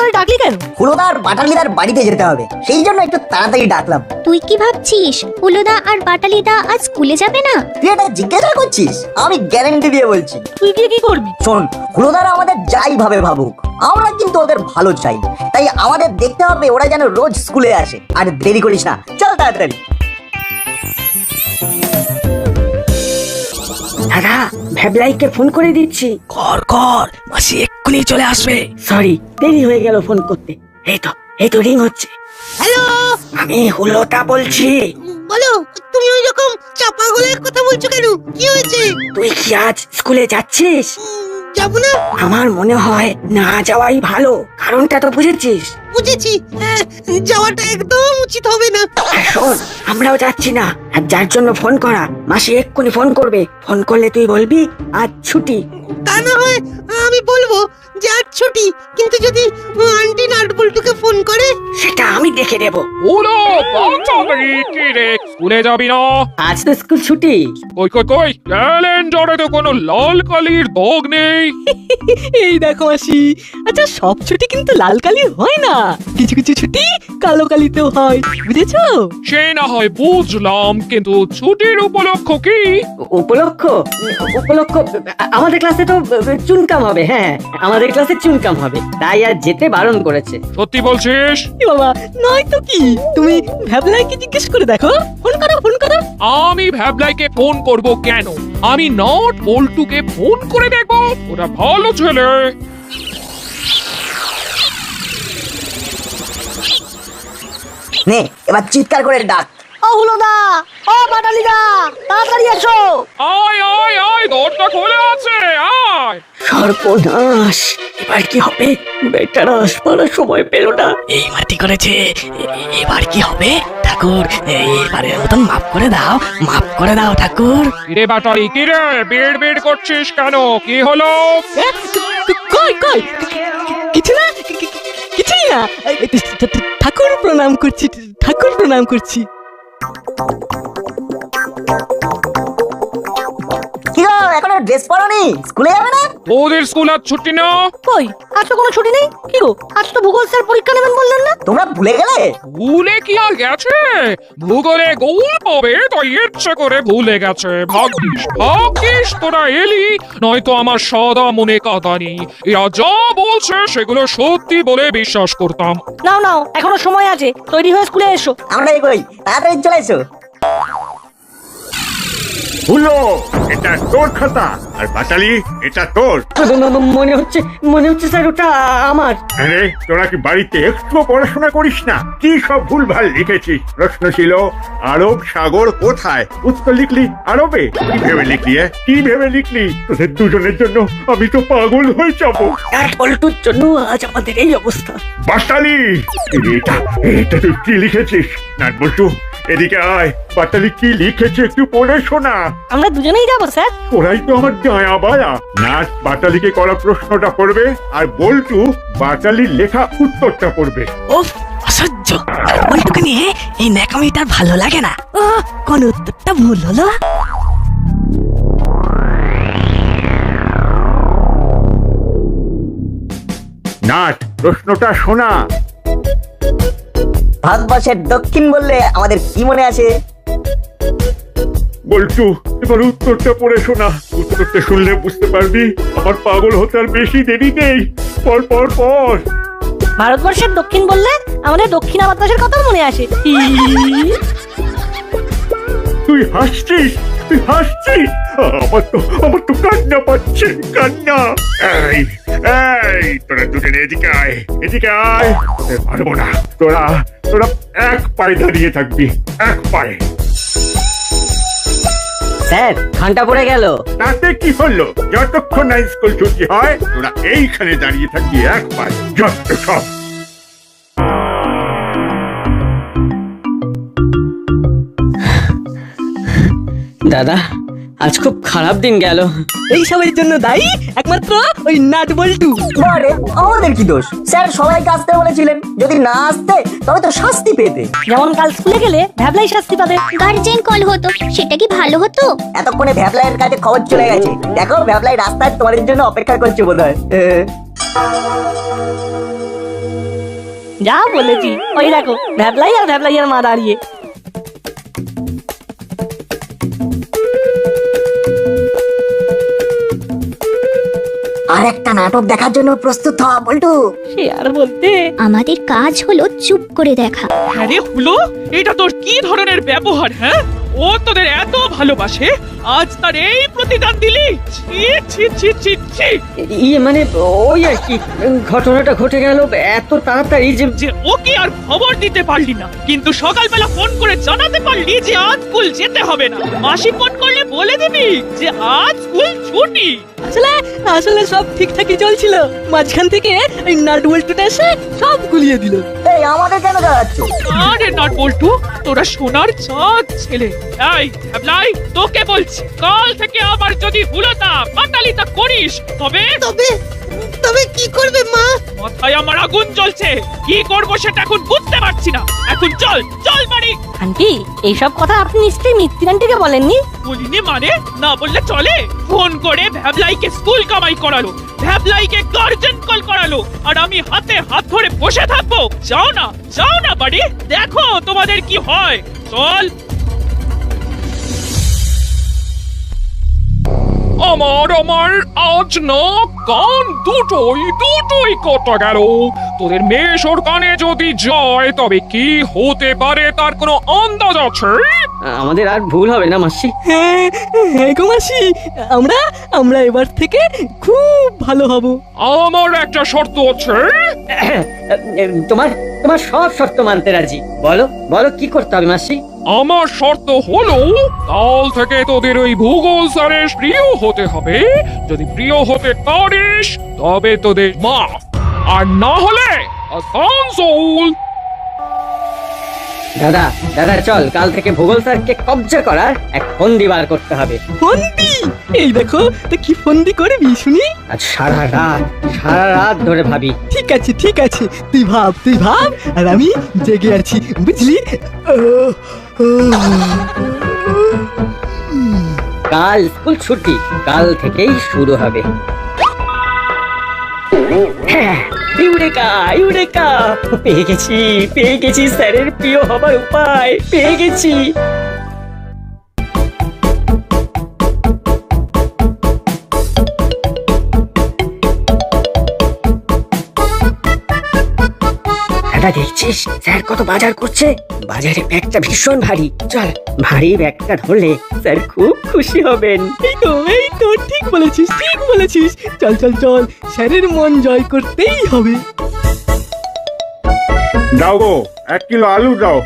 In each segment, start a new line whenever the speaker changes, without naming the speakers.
তাড়াতাড়ি ডাকলি কেন?
হুলোদার বাটালিদার বাড়িতে যেতে হবে, সেই জন্য একটু তাড়াতাড়ি ডাকলাম।
তুই কি ভাবছিস হুলোদা আর বাটালিদা আজ স্কুলে যাবে না?
তুই এটা জিজ্ঞাসা করছিস? আমি গ্যারান্টি দিয়ে বলছি।
তুই গিয়ে কি করবি?
শোন, হুলোদারা আমাদের যাই ভাবে ভাবুক, আমরা কিন্তু ওদের ভালো চাই। তাই আমাদের দেখতে হবে ওরা যেন রোজ স্কুলে আসে। আর দেরি করিস না, চল তাড়াতাড়ি।
দাদা, ভ্যাবলাইকে ফোন করে দিচ্ছি।
কর কর, মাসি এক্ষুনি চলে আসবে।
সরি, দেরি হয়ে গেল ফোন করতে। এই তো রিং হচ্ছে।
হ্যালো,
আমি হুলোটা বলছি।
বলো। তুমি ওই রকম চাপা গলায় কথা বলছো কেন? কি হয়েছে?
তুই কি আজ স্কুলে যাচ্ছিস?
যাব না।
আমার মনে হয় না যাওয়াই ভালো। কারণটা তো বুঝেছিস?
বুঝেছি, যাওয়াটা একদম উচিত হবে না।
শোন, আমরাও যাচ্ছি না। আর যার জন্য ফোন করা, মাসি এক্ষুনি ফোন করবে। ফোন করলে তুই বলবি আজ ছুটি।
তা না হয় আমি বলবো যে আজ ছুটি, কিন্তু যদি আন্টি নাটবল্টুকে ফোন করে?
সেটা আমি দেখে দেব।
ওলো বাচ্চাদের কি রে, স্কুলে যাবি না?
আজ তো স্কুল ছুটি।
কই কই কই, ক্যালেন্ডারে তো কোনো লাল কালির দাগ নেই।
এই দেখো মাসি, আচ্ছা সব ছুটি কিন্তু লাল কালি হয় না, কিছু কিছু ছুটি কালো কালিতেও হয়, বুঝেছো?
সে না হয় বুঝলাম, কিন্তু ছুটির উপলক্ষ কি?
উপলক্ষ আমাদের ক্লাসে তো চুনকাম হবে। হ্যাঁ, আমাদের ক্লাসে চুনকাম হবে, তাই আর যেতে বারণ করেছে।
সত্যি বলছিস?
এ বাবা, নয় তো কি, তুমি ভ্যাবলাইকে জিজ্ঞেস করে দেখো। ফোন করো, ফোন করো।
আমি ভ্যাবলাইকে ফোন করব কেন? আমি নট বল্টুকে ফোন করে দেখবো। ওরা ভালো ছেলে।
নে, এবার চিৎকার করে ডাক।
ও হুলোদা, ও বাটালিদা, তাড়াতাড়ি এসো।
আয় আয় আয়, দরজা খোলা আছে, আয়।
সর্বনাশ, এবার কি হবে? বেটারা আসবার সময় পেল না।
এই মাটি করেছে, এবার কি হবে? ঠাকুর, এবারের মতন মাফ করে দাও, মাফ করে দাও ঠাকুর।
কিরে বাটারি, কিরে বেড় বেড় করছিস কেন? কি হলো?
কই কই, কিছু না, কিছুই না। ঠাকুর প্রণাম করছি, ঠাকুর প্রণাম করছি।
কি গো, এখনো ড্রেস পরনি? স্কুলে যাবে না?
ওদের স্কুল আজ ছুটি না?
কই, আজ তো কোনো ছুটি নেই। কি গো, আজ তো ভূগোল স্যার পরীক্ষা নেবেন বললেন না?
তোমরা ভুলে গেলে?
ভুলে কি আর গেছে? ভূগোলে গোল পাবে তাই ইচ্ছে করে ভুলে গেছে। ভাগ্যিস ভাগ্যিস তোরা এলি, নয়তো আমার সদা মনে কাদা নেই। এরা যা বলছে সেগুলো সত্যি বলে বিশ্বাস করতাম।
নাও নাও, এখনো সময় আছে, তৈরি হয়ে স্কুলে এসো।
আমরা এগোই, তাড়াতাড়ি চলে এসো।
হুলো, এটা তোর খাতা, আর বাটালি এটা তোর।
মনে হচ্ছে স্যার ওটা আমার।
আরে তোরা কি বাড়িতে একটু পড়াশোনা করিস না? কি সব ভুলভাল লিখেছিস? প্রশ্ন ছিল আরব সাগর কোথায়, উত্তর লিখলি আরবে। কি ভেবে লিখলি? কি ভেবে লিখলি? তোদের দুজনের জন্য আমি তো পাগল হয়ে যাবো।
আর পল্টুর জন্য আজ আমাদের এই অবস্থা।
বাটালি, এটা এটা তুই কি লিখেছিস? নাট বল্টু, এদিকে আয়। বাটালি কি লিখেছে একটু পড়ে শোনা।
আমরা দুজনেই যাবো স্যার।
ওরাই তো আমার ডায়া বায়া। নাট বাটালিকে করা প্রশ্নটা পড়বে, আর বল্টু বাটালির লেখা উত্তরটা পড়বে।
ওফ, অসহ্য। বল্টুকে নিয়ে এই ন্যাকামিটা ভালো লাগে না। ও, কোন উত্তরটা ভুল হলো?
নাট, প্রশ্নটা শোনা।
ভারতবর্ষের দক্ষিণ বললে আমাদের কি মনে আসে?
বল্টু, এবার উত্তরটা পড়ে শোনা। উত্তরটা শুনলে বুঝতে পারবি আমার পাগল হতে আর বেশি দেরি নেই। পর পর পর।
ভারতবর্ষের দক্ষিণ বললে আমাদের দক্ষিণা বাতাসের কথা মনে আসে।
তুই হাসছিস, তুই হাসছিস। আমার তো কান্না পাচ্ছে, কান্না। এই এই, তোরা দুজনে এদিকে আয়, এদিকে আয়। পারবো না, তোরা তোরা এক পায়ে দাঁড়িয়ে থাকবি, এক পায়ে।
স্যার, ঘন্টা পড়ে গেল।
তাতে কি হলো? যতক্ষণ না স্কুল ছুটি হয় তোরা এইখানে দাঁড়িয়ে থাকবি এক পায়ে। যত সব।
দাদা, আজ খুব খারাপ দিন গেল।
এই সবের জন্য দায়ী একমাত্র ওই নাট বল্টু।
আরে আমাদের কি দোষ? স্যার সবাইকে আসতে বলেছিলেন, যদি না আসতে তবে তো শাস্তি পেতে।
যেমন কাল স্কুলে গেলে ভ্যাবলাই শাস্তি পাবে।
গার্জেন কল হতো, সেটা কি ভালো হতো?
এতক্ষণে ভ্যাবলাইয়ের কাছে খবর চলে গেছে। দেখো, ভ্যাবলাই রাস্তায় তোমাদের জন্য অপেক্ষা করছে বোধহয়।
যা বলেছি, ওই দেখো ভ্যাবলাই আর ভ্যাবলাইয়ের মা দাঁড়িয়ে।
আর একটা নাটক দেখার জন্য প্রস্তুত হ বল্টু।
সে আর বলতে।
আমাদের কাজ হলো চুপ করে দেখা।
আরে হুলো, এটা তোর কি ধরনের ব্যবহার? হ্যাঁ, ও তোদের এত ভালোবাসে, আজ তার এই প্রতিদান দিলি? ছি ছি ছি ছি ছি।
ইয়ে মানে ওই আর কি, ঘটনাটা ঘটে গেল এত তাড়াতাড়ি যে
যে ওকে আর খবর দিতে পারলি না, কিন্তু সকালবেলা ফোন করে জানাতে পারলি যে আজ স্কুল যেতে হবে না। মাসি ফোন করলে বলে দিবি যে আজ স্কুল ছুটি।
আসলে আসলে সব ঠিকঠাকই চলছিল, মাঝখান থেকে এই নাট বল্টুটা এসে সব গুলিয়ে দিল।
এই আমাদের কেন দাঁড়াচ্ছ?
আরে নট বল্টু, তোরা সোনার চাঁদ ছেলে। এই ভ্যাবলাই, তোকে বলছি, কাল থেকে আবার যদি হুলতা পাটালিতা করিস তবে
তবে তবে কি করবে মা?
মাথায় আমার আগুন জ্বলছে। কি করবো সেটা এখন বুঝতে পারছি না। এখন চল চল বাড়ি।
আন্টি, এইসব কথা আপনি নিশ্চয়ই মিত্তির আন্টিকে বলেননি?
বলিনি মানে? না বললে চলে? ফোন করে ভ্যাবলাইকে স্কুল কামাই করালো, ভ্যাবলাইকে গার্জেন কল করালো, আর আমি হাতে হাত ধরে বসে থাকবো? যাও না বাড়ি, দেখো তোমাদের কি হয়। চল। আমার আজ না কান দুটোই কটা গেল। তোদের মেশোর কানে যদি যায় তবে কি হতে পারে তার কোনো আন্দাজ আছে?
আমাদের আর ভুল হবে না মাসি।
হ্যাঁ হ্যাঁ গো মাসি, আমরা আমরা এবার থেকে খুব ভালো হব।
আমার একটা শর্ত আছে।
তোমার তোমার সব শর্ত মানতে রাজি। বলো বলো কি করতে হবে মাসি?
আমার শর্ত হলো, কাল থেকে তোদের ওই ভূগোল স্যারের প্রিয় হতে হবে। যদি প্রিয় হতে পারিস তবে তোদের মাফ, আর না হলে আসানসোল।
দাদা দাদা চল, কাল থেকে ভূগোল স্যারকে কবজা করার এক ফন্দি বার করতে হবে।
ফন্দি? এই দেখো তো কি ফন্দি করবি শুনি।
আজ সারা রাত ধরে ভাবি।
ঠিক আছে, তুই ভাব আর আমি জেগে আছি, বুঝলি?
কাল স্কুল ছুটি, কাল থেকেই শুরু হবে। হ্যাঁ, ইউরেকা, পেয়ে গেছি স্যারের প্রিয় হবার উপায়, পেয়ে গেছি। দাদা দেখছিস স্যার কত বাজার করছে? বাজারে ব্যাগটা ভীষণ ভারী। চল, ভারী ব্যাগটা ধরলে স্যার খুব খুশি হবেন।
এই তো ঠিক বলেছিস। চল, স্যারের মন জয় করতেই হবে।
দাও গো, 1 কিলো আলু দাও।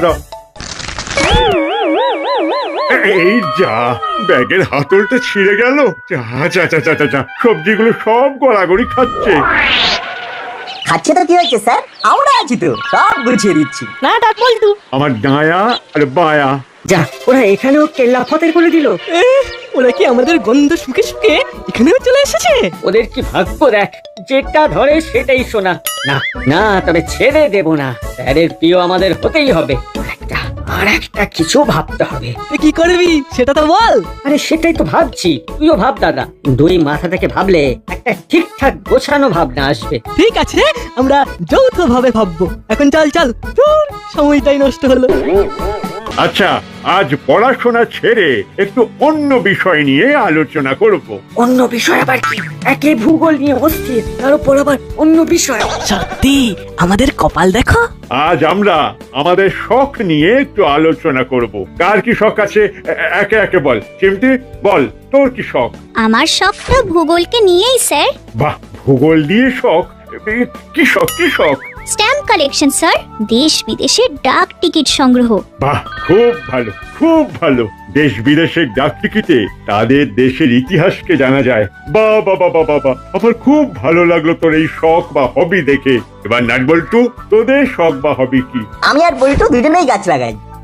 এই যা, ব্যাগের হাতলটা ছিঁড়ে গেল। যা, সবজিগুলো সব গড়াগড়ি খাচ্ছে।
খাচ্ছে তো কি হয়েছে স্যার, আমরা আছি তো, সব গুছিয়ে দিচ্ছি।
না ডাক বল্টু,
আমার ডায়া আর বায়া।
যা, ওরা এখানেও কেল্লা ফতের করে দিল।
ওরা কি আমাদের গন্ধ শুকে এখানেও চলে এসেছে?
ওদের কি ভাগ্য দেখ, যেটা ধরে সেটাই শোনা। না তবে ছেড়ে দেব না, স্যারের প্রিয় আমাদের হতেই হবে। আর একটা কিছু ভাবতে হবে।
কি করবি সেটা তো বল।
আরে সেটাই তো ভাবছি, তুইও ভাব দাদা। দুই মাথা থেকে ভাবলে একটা ঠিকঠাক গোছানো ভাবনা আসবে।
ঠিক আছে, আমরা যৌথভাবে ভাববো। এখন চল, দূর, সময়টাই নষ্ট হলো।
আচ্ছা, আজ পড়াশোনা ছেড়ে একটু অন্য বিষয় নিয়ে আলোচনা করব।
অন্য বিষয় আবার কি? একে ভূগোল নিয়ে অস্থির, তার উপর আবার অন্য বিষয়।
সত্যি আমাদের কপাল দেখো।
আজ আমরা আমাদের শখ নিয়ে একটু আলোচনা করব। কার কি শখ আছে একে একে বল। চিমটি, বল তোর কি শখ?
আমার শখটা ভূগোলকে নিয়েই স্যার।
বাহ, ভূগোল দিয়ে শখ? কি শখ?
স্ট্যাম্প কালেকশন স্যার, দেশ বিদেশের ডাক টিকিট সংগ্রহ।
বাহ, খুব ভালো। দেশ বিদেশের ডাক টিকিটে তাদের দেশের ইতিহাসকে জানা যায়। বাবা, আমার খুব ভালো লাগলো তোর এই শখ বা হবি দেখে। এবার নাট বল্টু, তোদের শখ বা হবি কি?
আমি আর বল্টু দুজনেই গাছ লাগাই।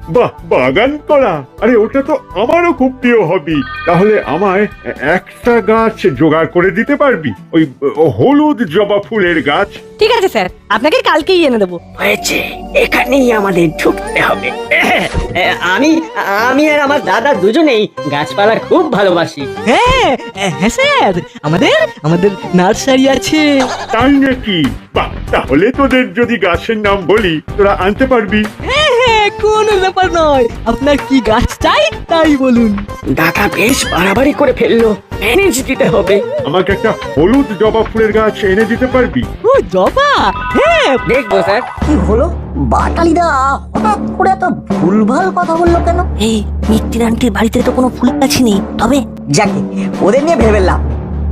বাহ, বাগান করা, আরে ওটা তো আমারও খুব প্রিয় হবি। তাহলে আমায় একটা গাছ জোগাড় করে দিতে পারবি? ওই হলুদ জবা ফুলের গাছ।
ঠিক আছে স্যার, আপনাকে কালকেই এনে দেবো।
হয়েছে, এখানেই আমাদের ঢুকতে হবে। আমি আমি আর আমার দাদা দুজনেই গাছপালা খুব ভালোবাসি।
হ্যাঁ হ্যাঁ স্যার, আমাদের আমাদের নার্সারি আছে।
তাই নাকি? বাহ, তাহলে তোদের যদি গাছের নাম বলি তোরা আনতে পারবি।
হ্যাঁ হ্যাঁ, কোনো ব্যাপার নয়, আপনার কি গাছ চাই তাই বলুন।
দাদা বেশ বাড়াবাড়ি করে ফেললো, ম্যানেজ দিতে হবে।
আমাকে একটা হলুদ জবা ফুলের গাছ এনে দিতে পারবি?
ও জবা, হ্যাঁ
দেখবো স্যার।
কি হলো? বাটালিদা হঠাৎ করে এত ভুলভাল কথা বললো কেন?
এই মিত্তির আন্টির বাড়িতে তো কোনো ফুল গাছই নেই, তবে
যাকে ওদের নিয়ে ভেবে লাভ।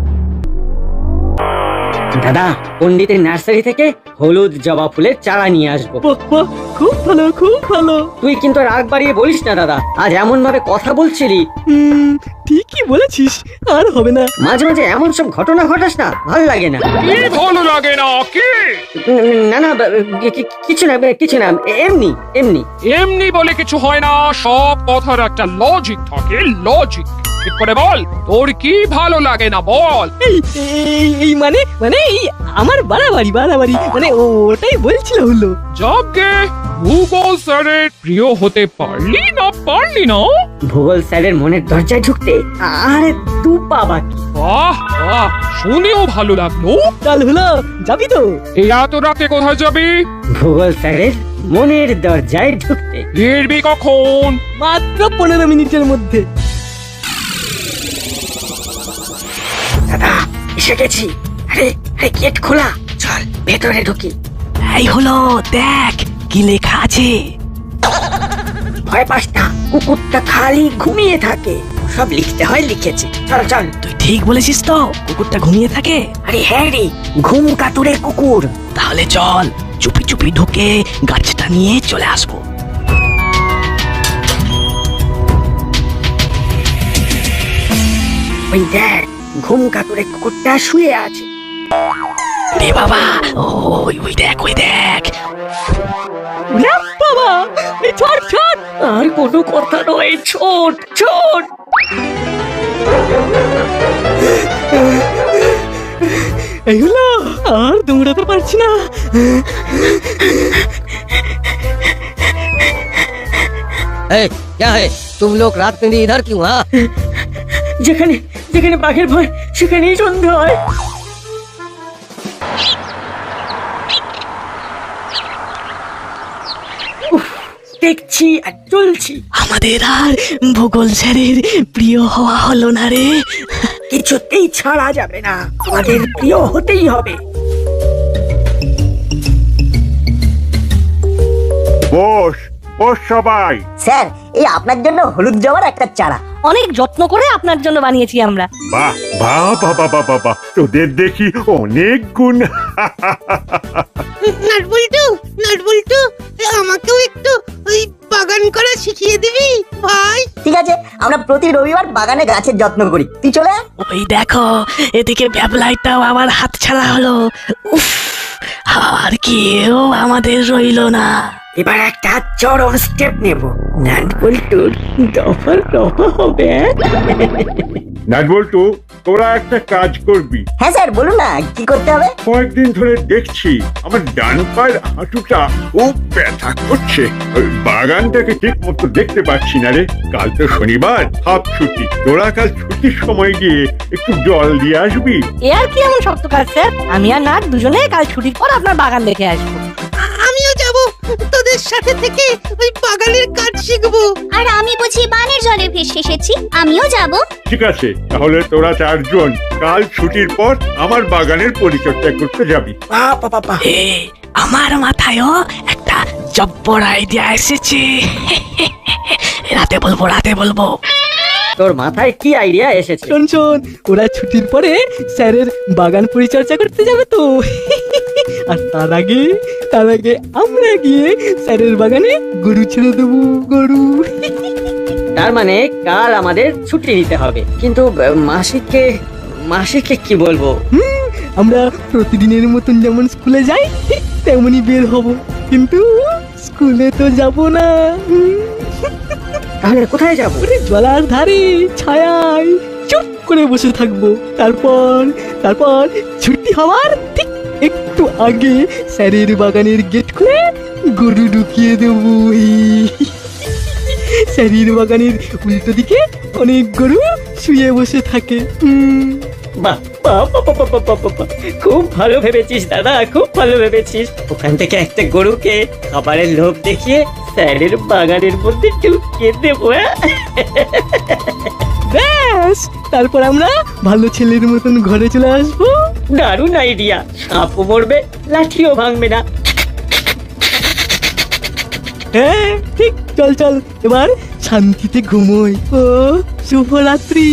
দাদা পণ্ডিতের নার্সারি থেকে হলুদ জবা ফুলের চারা নিয়ে আসবো।
বাহ, বাহ, খুব ভালো খুব ভালো।
তুই কিন্তু রাগ বাড়িয়ে বলিস না দাদা, আজ এমন ভাবে কথা বলছিলি।
ঠিকই বলেছিস, আর হবে না।
মাঝে মাঝে এমন সব ঘটনা ঘটাস না, ভালো লাগে না।
কি ভালো লাগে না কি?
না না, কিছু না কিছু না, এমনি এমনি।
এমনি বলে কিছু হয় না, সব কথার একটা লজিক থাকে, লজিক। ঠিক করে বল, তোর কি ভালো লাগে না বল।
এই মানে মানে এই আমার বাড়াবাড়ি বাড়াবাড়ি মানে ওটাই বলছিল হলো।
যাকে ভূগোল স্যারের প্রিয় হতে পারলি না?
ভূগোল স্যারের মনের দরজায় ঢুকতে আরে দু পা বাকি।
বাহ বাহ, শুনেও ভালো লাগলো।
চল হলো, যাবি তো?
এই এত রাতে কোথায় যাবি?
ভূগোল স্যারের মনের দরজায় ঢুকতে।
ফিরবি কখন?
মাত্র 15 মিনিটের মধ্যে।
দাদা এসে গেছি। আরে আরে গেট খোলা, চল ভেতরে ঢুকি।
এই হলো, দেখ কি লেখা আছে।
ভয় পাস না, কুকুরটা খালি ঘুমিয়ে থাকে, সব লিখতে হয় লিখেছে। চল চল।
তুই ঠিক বলেছিস তো, কুকুরটা ঘুমিয়ে থাকে।
আরে হ্যাঁ রে, ঘুম কাতুরে কুকুর।
তাহলে চল চুপি চুপি ঢুকে গাছটা নিয়ে চলে আসবো।
ওই দেখ, ঘুম কাতুরে কুকুরটা শুয়ে আছে।
রে বাবা, ওই দেখ ওই দেখ।
ওরে বাবা, এই ছোট ছোট।
আর কোনো কথা নয়, ছোট ছোট।
এই হলো, আর দৌড়াতে পারছি না।
क्या है तुम लोग रात में भी इधर क्यों? हाँ,
যেখানে যেখানে বাঘের ভয় সেখানেই সন্ধ্যা হয়। উফ, দেখছি আর চলছি,
আমাদের আর ভূগোল স্যারের প্রিয় হওয়া হলো না রে।
কিছুতেই ছাড়া যাবে না, আমাদের প্রিয় হতেই হবে।
বস বস সবাই।
স্যার, এই আপনার জন্য হলুদ জবার একটা চারা।
অনেক যত্ন করে আপনার জন্য বানিয়েছি আমরা।
বাহ বাহ বাহ বাহ বাহ বাহ, তোদের দেখি অনেক গুণ।
নাটবল্টু, আমাকেও একটু ওই বাগান করা শিখিয়ে দিবি ভাই?
ঠিক আছে, আমরা প্রতি রবিবার বাগানে গাছের যত্ন করি, তুই চলে আয়।
ওই দেখো, এদিকে ব্যাবলাইটাও আমার হাত ছাড়া হলো। উফ, আর কেউ আমাদের রইলো না।
এবার একটা চরম স্টেপ নেব, নাটবল্টুর দফার দফা হবে।
নাটবল্টু, তোরা একটা কাজ করবি।
হ্যাঁ স্যার, বলুন না কি করতে হবে।
কয়েকদিন ধরে দেখছি আমার ডান পায়ের হাঁটুটা খুব ব্যথা করছে। ওই বাগানটাকে ঠিক মতো দেখতে পাচ্ছি না রে। কাল তো শনিবার, হাফ ছুটি। তোরা কাল ছুটির সময় গিয়ে একটু জল দিয়ে আসবি।
এ আর কি এমন শক্ত কাজ স্যার? আমি আর নাট দুজনে কাল ছুটির পর আপনার বাগান দেখে আসবো।
আমিও যাব তোদের সাথে থেকে ওই বাগানের কাজ শিখবো।
আর আমি বুঝি বানের জলে ভেসে এসেছি, আমিও যাব।
ঠিক আছে, তাহলে তোরা চারজন কাল ছুটির পর আমার বাগানের পরিচর্যা করতে যাবি।
বাবা,
এ, আমার মাথায়ও একটা জব্বর আইডিয়া এসেছে। রাতে বলবো।
তোর মাথায় কি আইডিয়া এসেছে?
শোন শোন, ওরা ছুটির পরে স্যারের বাগান পরিচর্যা করতে যাবে তো। আর তার আগে আমরা গিয়ে স্যারের বাগানে গরু ছেড়ে দেবো, গরু।
তার মানে কাল আমাদের ছুটি নিতে হবে, কিন্তু মাসিককে কি বলবো?
আমরা প্রতিদিনের মতন যেমন স্কুলে যাই ঠিক তেমনই বের হব, কিন্তু স্কুলে তো যাব না।
তাহলে কোথায় যাব?
ওরে জলার ধারে ছায়ায় চুপ করে বসে থাকবো। তারপর তারপর ছুটি হওয়ার ঠিক একটু আগে স্যারের বাগানের গেট খুলে গরু ঢুকিয়ে দেবো। স্যারের বাগানের উল্টো দিকে অনেক গরু শুয়ে বসে থাকে।
বাহ বাহ বাহ বাহ বাহ বাহ বাহ বাহ। খুব ভালো ভেবেছিস দাদা, খুব ভালো ভেবেছিস। ওখান থেকে একটা গরুকে খাবারের লোভ দেখিয়ে স্যারের বাগানের মধ্যে ঢুকিয়ে দেবো।
ব্যাস, তারপর আমরা ভালো ছেলের মতন ঘরে চলে আসবো।
দারুণ আইডিয়া। সাপও মরবে, লাঠিও ভাঙবে না।
হ্যাঁ ঠিক, চল চল এবার শান্তিতে ঘুমোই। ও শুভরাত্রি।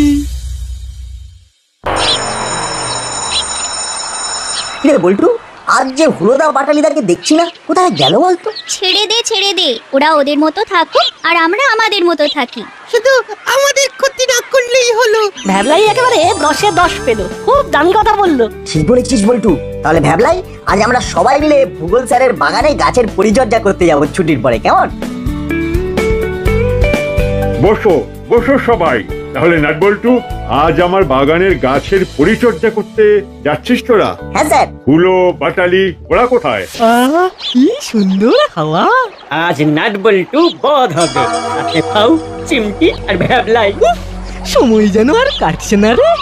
কিরে বল্টু, আজ যে হুলোদা বাটালিদাকে দেখছি না, কোথায় গেল বলতো?
ছেড়ে দে ওরা ওদের মতো থাকুক আর আমরা আমাদের মতো থাকি।
শুধু আমাদের ক্ষতি না করলেই হলো।
ভ্যাবলাই একেবারে 10-এ 10 পেল, খুব দামি কথা বললো।
ঠিক বলেছিস বল্টু। তাহলে ভাবলাই আজ আমরা সবাই মিলে ভূগোল স্যারের বাগানে গাছের পরিচর্যা করতে যাব ছুটির পরে, কেমন?
বসো বসো সবাই। তাহলে নাট বল্টু, আজ আমার বাগানের গাছের পরিচর্যা করতে যাচ্ছিস তোরা?
হ্যাঁ স্যার।
হুলো বাটালি ওরা কোথায়?
কি সুন্দর হাওয়া।
আজ নাট বল্টু বধ হবে, সাথে পাউ, চিমটি আর ভ্যাবলাই।
সময় যেন আর কাটছে না রে।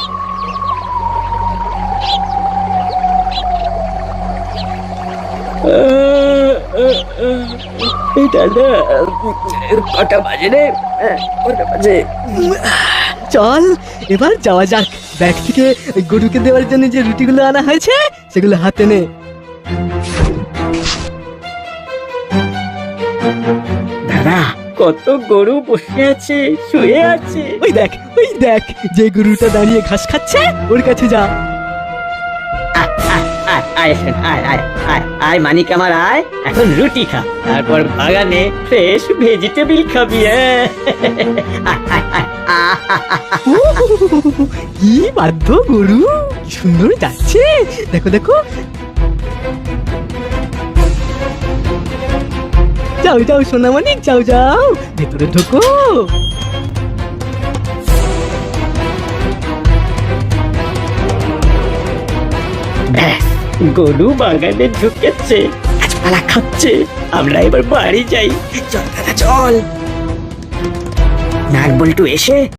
দাদা কটা বাজে রে? কটা বাজে?
চল এবার যাওয়া যাক। ব্যাগ থেকে ওই গরুকে দেওয়ার জন্য যে রুটিগুলো আনা হয়েছে সেগুলো হাতে নে।
দাদা কত গরু বসে আছে, শুয়ে আছে।
ওই দেখ যে গরুটা দাঁড়িয়ে ঘাস খাচ্ছে ওর কাছে যা।
আয় শোন, আয় মানিক আমার, আয় এখন রুটি খা, তারপর বাগানে ফ্রেশ ভেজিটেবল খাবি।
কি বাধ্য গরু, কি সুন্দর যাচ্ছে। দেখো দেখো। যাও যাও সোনা মানিক, যাও যাও ভেতরে ঢোকো।
ব্যাস, গরু বাগানে ঢুকেছে, গাছপালা খাচ্ছে। আমরা এবার বাড়ি যাই। চল দাদা চল। নাট বল্টু এসে